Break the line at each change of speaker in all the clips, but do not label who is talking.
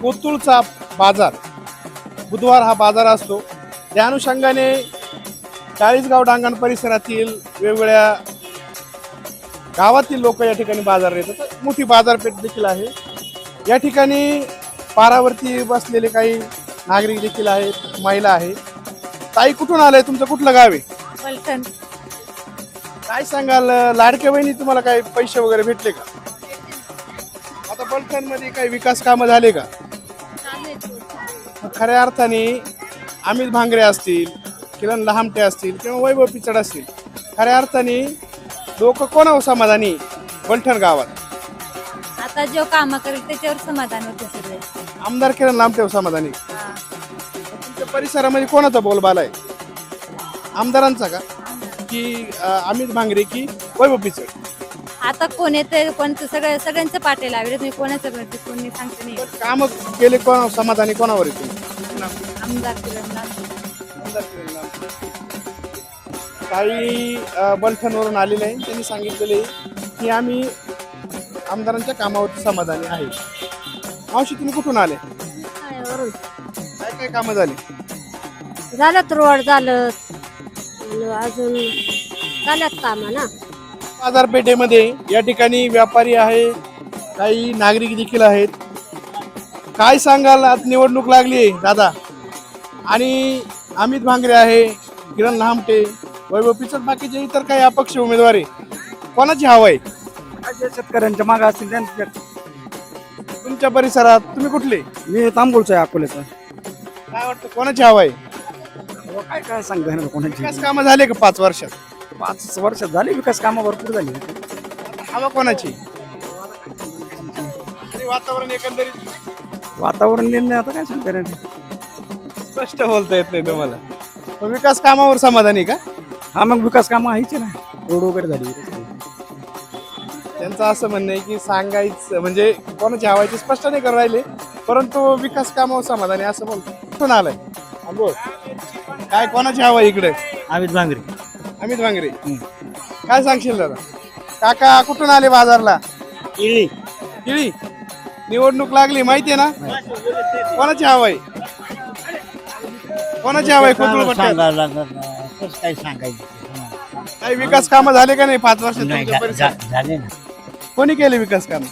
कोतुळचा बाजार बुधवार हा बाजार असतो. त्या अनुषंगाने चाळीसगाव डांगण परिसरातील वेगवेगळ्या गावातील लोक या ठिकाणी बाजार येतात. मोठी बाजारपेठ देखील आहे. या ठिकाणी पारावरती बसलेले काही नागरिक देखील आहेत, महिला आहेत. ताई कुठून आलाय, तुमचं कुठलं गाव आहे?
पलटण.
काय सांगाल, लाडक्या बहिणी तुम्हाला काही पैसे वगैरे भेटले का? आता पलटण मध्ये काही विकास कामं झाले का? खऱ्या अर्थाने अमित भांगरे असतील, किरण लहामटे असतील किंवा वैभव पिचड असतील, खऱ्या अर्थाने लोक कोणावर समाधानी पलटण गावात?
आता जो काम करेल त्याच्यावर समाधान होते सगळे.
आमदार किरण लहामटेवर समाधानी. तुमच्या परिसरामध्ये कोणाचा बोलबाला आहे? आमदारांचा का की अमित भांगरे की वैभव पिचड?
आता कोण येते कोणतं सगळ्यांचं पाटे लावले तुम्ही, कोणाचं भरते कोणी सांगते नाही.
काम केले कोण समाधानी कोणावर येते?
आमदार किरण
काही बलठणवरून आलेले आहे, त्यांनी सांगितलेले की आम्ही आमदारांच्या कामावरती समाधानी आहे. मावशी तुम्ही कुठून आले? काय काय कामं झाली?
झालं रोड झालं अजून झाल्यात काम ना.
बाजारपेठेमध्ये या ठिकाणी व्यापारी आहे, काही नागरिक देखील आहेत. काय सांगाल, आज निवडणूक लागली आहे दादा, आणि अमित भांगरे आहे, किरण लहामटे, वैभव पिचड, बाकीचे इतर काही अपक्ष उमेदवार आहे. कोणाची हवा आहे?
शेतकऱ्यांच्या मागे असतील त्यांच्या.
तुमच्या परिसरात तुम्ही कुठले?
मी तांबूळचा आहे, अकोल्याचा.
काय वाटतं कोणाची हवा आहे?
काय काय सांगता कोणाची.
विकास कामं झाले का 5 वर्षात?
5 वर्षात झाली विकास कामं भरपूर झाली.
हवा कोणाची? आणि वातावरण एकंदरीत
वातावरण निर्णय आता काय सांगता.
स्पष्ट बोलता येत नाही तुम्हाला. मग विकास कामावर समाधानी का?
हा, मग विकास कामं आहेच ना, रोड वगैरे झाली.
त्यांचं असं म्हणणं आहे की सांगायचं म्हणजे कोणाची हवायची स्पष्ट नाही करून राहिले, परंतु विकास कामावर समाधानी असं बोलतो. कुठून आलाय? बोल, काय कोणाची हवा इकडे?
अमित भांगरे.
अमित भांगरे. काय सांगशील दादा? काका कुठून आले बाजारला?
इळी.
केळी. निवडणूक लागली माहितीये ना, कोणाची हवा आहे? कोणाची हवा आहे कोथरूड पट्ट्यात?
काय सांगायचं.
काही विकास कामं झाले का नाही 5 वर्षात तुमच्या परिसरात?
झाले ना.
कोणी केले विकास काम?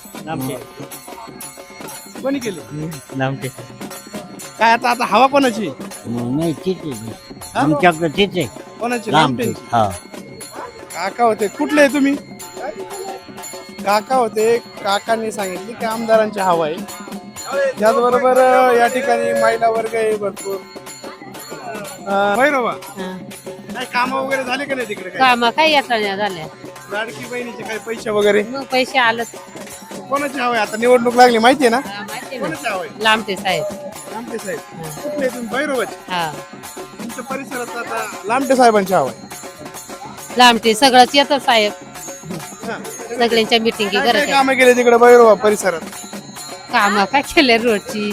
कोणी केले? काय आता आता हवा कोणाची?
नाही ठीक आहे, आमच्याकडे ठीक आहे.
कोणाची? लांबटेंची. काका होते. कुठले आहे तुम्ही? काका होते. काकांनी सांगितले की आमदारांची हवा आहे. त्याचबरोबर या ठिकाणी महिला वर्ग आहे भरपूर. भैरवा, काय काम वगैरे झाले का नाही तिकडे?
काम काय येता झाल्या,
लाडकी बहिणीचे काही पैसे वगैरे?
मग पैसे आलं.
कोणाची हवा आहे? आता निवडणूक लागली माहितीये ना,
माहिती
कोणाची हवा आहे?
लांबटे साहेब.
लामटे साहेब. कुठले तुम्ही? भैरवाचे.
हा,
तुमच्या परिसरात आता लामटे साहेबांची हवा आहे.
लांबटे सगळंच येतं साहेब,
हा.
सगळ्यांच्या मिटिंगी
काय काय
करत.
कामं केले तिकडे भैरवा परिसरात?
काम काय केले रोडची.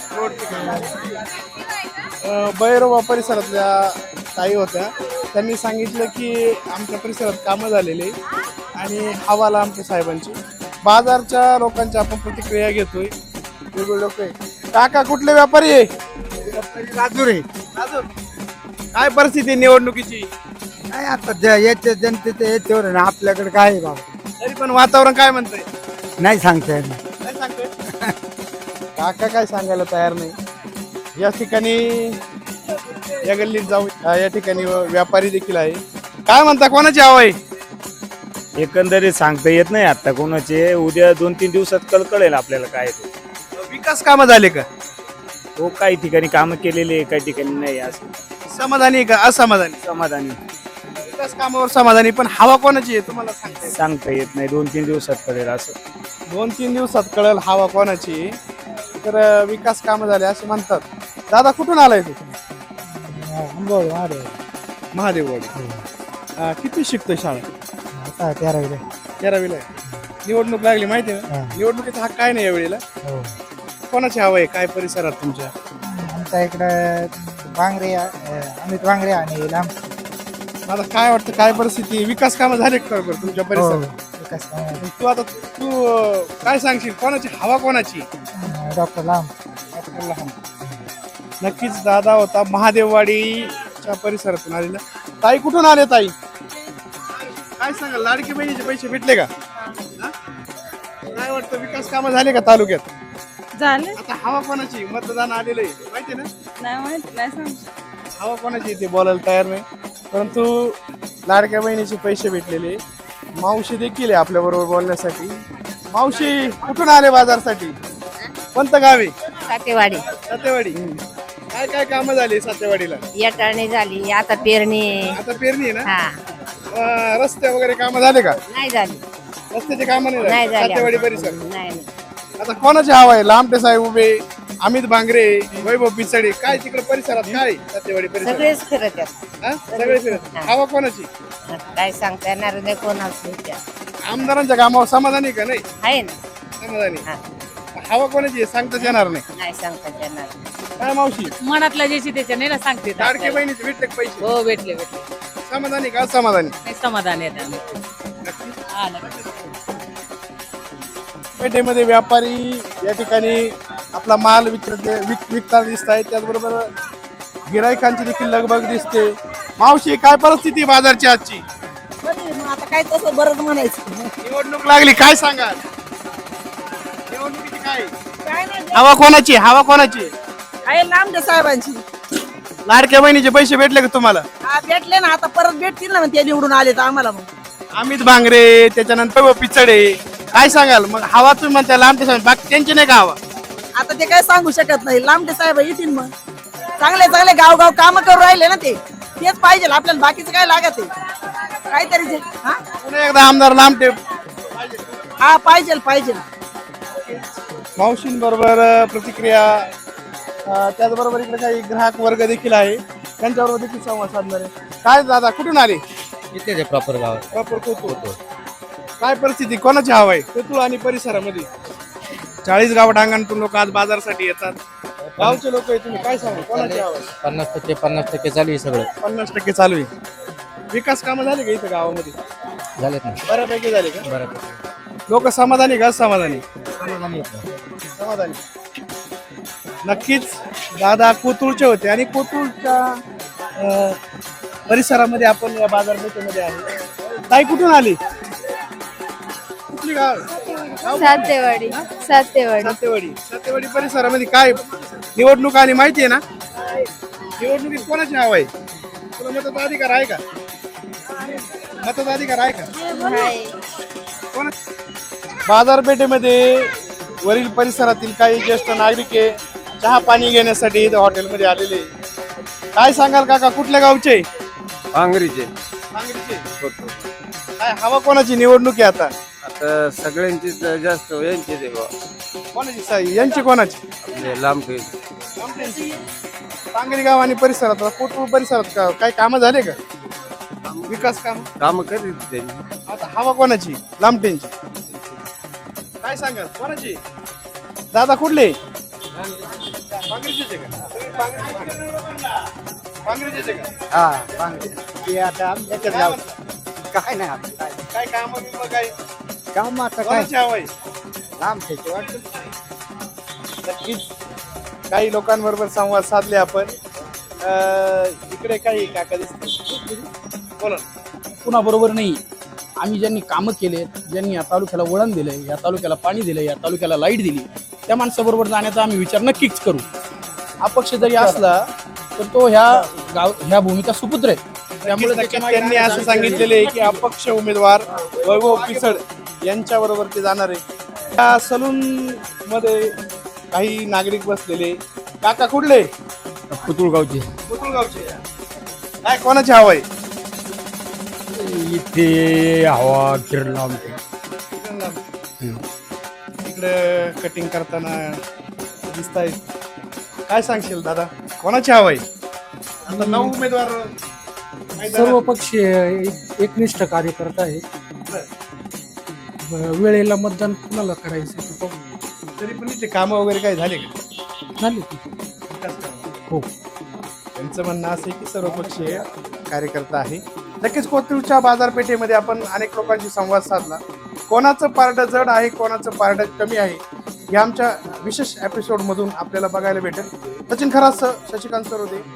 भैरवा परिसरातल्या ताई होत्या, त्यांनी सांगितलं की आमच्या परिसरात कामं झालेली आणि हवा लामटे साहेबांची. बाजारच्या लोकांच्या आपण प्रतिक्रिया घेतोय. वेगवेगळे लोक आहे. काका कुठले व्यापारी आहे?
राजूर आहे.
अजून काय परिस्थिती निवडणुकीची?
काय आता याच्या जनतेच्या याच्यावर आहे ना, आपल्याकडे काय आहे बाबा.
तरी पण वातावरण काय म्हणतंय?
नाही सांगता येत.
काय सांगतोय? काका काय सांगायला तयार नाही. या ठिकाणी या गल्लीत जाऊ. या ठिकाणी व्यापारी देखील आहे. काय म्हणता, कोणाची हवा आहे?
एकंदरीत सांगता येत नाही आता कोणाचे. उद्या 2-3 दिवसात कळेल आपल्याला काय ते.
विकास कामं झाले का?
हो, काही ठिकाणी कामं केलेली आहे, काही ठिकाणी नाही. असं
समाधानी आहे का असमाधानी?
समाधानी
विकास कामावर समाधानी, पण हवा कोणाची आहे तुम्हाला
सांगता येत नाही. 2-3 दिवसात कळेल. असं
2-3 दिवसात कळेल हवा कोणाची आहे. तर विकास कामं झाले असं म्हणतात. दादा कुठून आलाय तू? महादेववाडी. किती शिकतोय शाळा? 13वीला आहे. निवडणूक लागली माहिती आहे ना, निवडणुकीचा हक्क काय नाही यावेळेला. कोणाची हवा आहे काय परिसरात तुमच्या?
आमच्या इकडे भांगरे, अमित भांगरे आणि लांब.
मला काय वाटतं, काय परिस्थिती, विकास कामं झाले का बरं तुमच्या परिसरात?
विकास काम
तू काय सांगशील, कोणाची हवा कोणाची?
डॉक्टर लांब.
लहान. नक्कीच दादा होता महादेववाडीच्या परिसरातून आलेला. ताई कुठून आले ताई? काय सांगाल, लाडकी बहिणीचे पैसे भेटले का? हा? काय वाटतं, विकास कामं झाले का तालुक्यात?
झाले
आता हवा कोणाची, मतदान आलेलं आहे माहिती ना?
नाही माहिती नाही सांगू.
हवा कोणाची ते बोलायला तयार नाही, परंतु लाडक्या बहिणीचे पैसे भेटलेले. मावशी देखील आहे आपल्या बरोबर बोलण्यासाठी. मावशी कुठून आले बाजारसाठी? कोणतं गाव आहे?
सातेवाडी
सातेवाडी. काय काय कामं झाली सातेवाडीला?
येटाळणी झाली, आता पेरणी.
आता पेरणी आहे ना?
हा
रस्ते वगैरे कामं झाले का?
नाही झाली.
रस्त्याचे कामं नाही
नाही
झाले
झाली.
सातेवाडी परिसर.
नाही नाही.
आता कोणाची हवा आहे? लांबटे साहेब उभे, अमित भांगरे, वैभव पिचडे, काय तिकडे परिसरात काय आहे? सातेवाडी परिसरात
सगळेच फिरत आहेत.
हा? सगळे फिरत. हवा कोणाची?
काय सांगता येणार नाही कोणाचं त्या.
आमदारांच्या कामावर समाधानी का? नाही
आहे ना.
समाधानी.
हा.
हवा कोणाची आहे सांगताच येणार नाही.
नाही सांगता येणार.
काय मावशी,
मनातला ज्याची त्याच्या नाही ना सांगते.
लाडके बहिणीचे भेटले का पैसे?
हो भेटले भेटले.
समाधानी का असमाधानी?
नाही समाधान येत आम्ही. हा नक्की.
पेठेमध्ये व्यापारी या ठिकाणी आपला माल विकताना दिसत आहेत. त्याचबरोबर गिरायकांची देखील लगबग दिसते. मावशी, काय परिस्थिती बाजारची आजची?
आता काय तसं बरंच म्हणायचं.
निवडणूक लागली, काय सांगाल? निवडणुकीची काय
काय नाही
हवा कोणाची? हवा कोणाची?
आहे लांबडे साहेबांची.
लाडक्या बहिणीचे पैसे भेटले का तुम्हाला?
हा भेटले ना, आता परत भेटतील ना मग ते निवडून आले तर आम्हाला. मग
अमित भांगरे, त्याच्यानंतर वैभव पिचडे, काय सांगाल? मग हवा तुम्ही म्हणता लांबटे साहेब, बाकी त्यांची नाही का हवा?
आता ते काय सांगू शकत नाही. लांबडे साहेब येतील मग. चांगले चांगले गाव काम करून राहिले ना ते. तेच पाहिजे आपल्याला, बाकीचं काय लागत आहे काहीतरी जे. हा
पुन्हा एकदा आमदार लांबटे.
हा पाहिजे पाहिजे.
मावशींबरोबर प्रतिक्रिया, त्याचबरोबर इकडे काही ग्राहक वर्ग देखील आहे, त्यांच्याबरोबर देखील संवाद साधणार आहे. काय दादा, कुठून आले?
इथे ते प्रॉपर गाव
प्रॉपर कोतूर. काय परिस्थिती, कोणाची हवा आहे कोतूर आणि परिसरामध्ये? 40 गाव डांगांतून लोक आज बाजारासाठी येतात. गावचे लोक आहे, तुम्ही काय सांगा कोणाची हवा आहे?
50% चालू आहे सगळं.
50% चालू आहे. विकास कामं झाले का इथं गावामध्ये?
झालेत ना
बऱ्यापैकी झाले का?
बरोबर.
लोक समाधानी का असमाधानी? समाधानी. नक्कीच दादा कोतूरचे होते आणि कोतूरच्या परिसरामध्ये आपण या बाजारपेठेमध्ये आहे. ताई कुठून आली? कुठली गाव?
सातेवाडी. सातेवाडी.
सातेवाडी. सातेवाडी परिसरामध्ये काय निवडणूक आली माहिती आहे ना? निवडणुकीत कोणाची हवा आहे? तुला मताधिकार आहे का? मताधिकार आहे का? बाजारपेठेमध्ये वरील परिसरातील काही ज्येष्ठ नागरिक चहा पाणी घेण्यासाठी इथं हॉटेलमध्ये आलेले. काय सांगाल काका, कुठल्या गावचे?
भांगरीचे.
सांगलीचे. काय हवा कोणाची? निवडणूक आहे आता.
आता सगळ्यांची जास्त यांची
कोणाची साई? यांची कोणाची?
लांब
सांगली गाव आणि परिसरात, कोटपूर परिसरात काय कामं झाले का? विकास
काम करीत त्यांनी.
आता हवा कोणाची? लांबटेंची. काय सांगाल कोणाची? दादा कुठले? पांगरीचेच आहे का? पांगरीचेच आहे का?
हा ते आता आमच्याकडे गाव काय नाही आपलं काय.
काय काम काय
काम आता काय
कोणाची हवा आहे?
लांबचे वाटतं.
नक्कीच काही लोकांबरोबर संवाद साधले आपण. इकडे काही काका दिसते, बोला.
पुन्हा बरोबर नाही. आम्ही ज्यांनी कामं केले, ज्यांनी या तालुक्याला वळण दिलंय, या तालुक्याला पाणी दिलंय, या तालुक्याला लाईट दिली, त्या माणसाबरोबर जाण्याचा आम्ही विचार नक्कीच करू. अपक्ष जरी असला तर तो ह्या भूमिका सुपुत्र आहे. त्यामुळे
त्यांनी असं सांगितलेले आहे की अपक्ष उमेदवार वैभव पिचड यांच्या बरोबर ते जाणार आहे. त्या सलून मध्ये काही नागरिक बसलेले. काका कुठले?
पुतुळगावचे.
पुतुळगावचे. काय कोणाची हवा आहे?
इथे हवा किरण लांबते.
इकडे कटिंग करताना दिसत आहे. काय सांगशील दादा, कोणाची हवा आहे? आता 9 उमेदवार
सर्व पक्षीय एकनिष्ठ कार्यकर्ता आहे. वेळेला मतदान कुणाला करायचं
तरी पण इथे कामं वगैरे काय झाले का?
झाले.
हो. त्यांचं म्हणणं असं आहे की सर्वपक्षीय कार्यकर्ता आहे. नक्कीच कोथरूडच्या बाजारपेठेमध्ये आपण अनेक लोकांशी संवाद साधला. कोणाचं पारडं जड आहे, कोणाचं पारडं कमी आहे, हे आमच्या विशेष एपिसोड मधून आपल्याला बघायला भेटेल. सचिन खरात, शशिकांत सरोदे,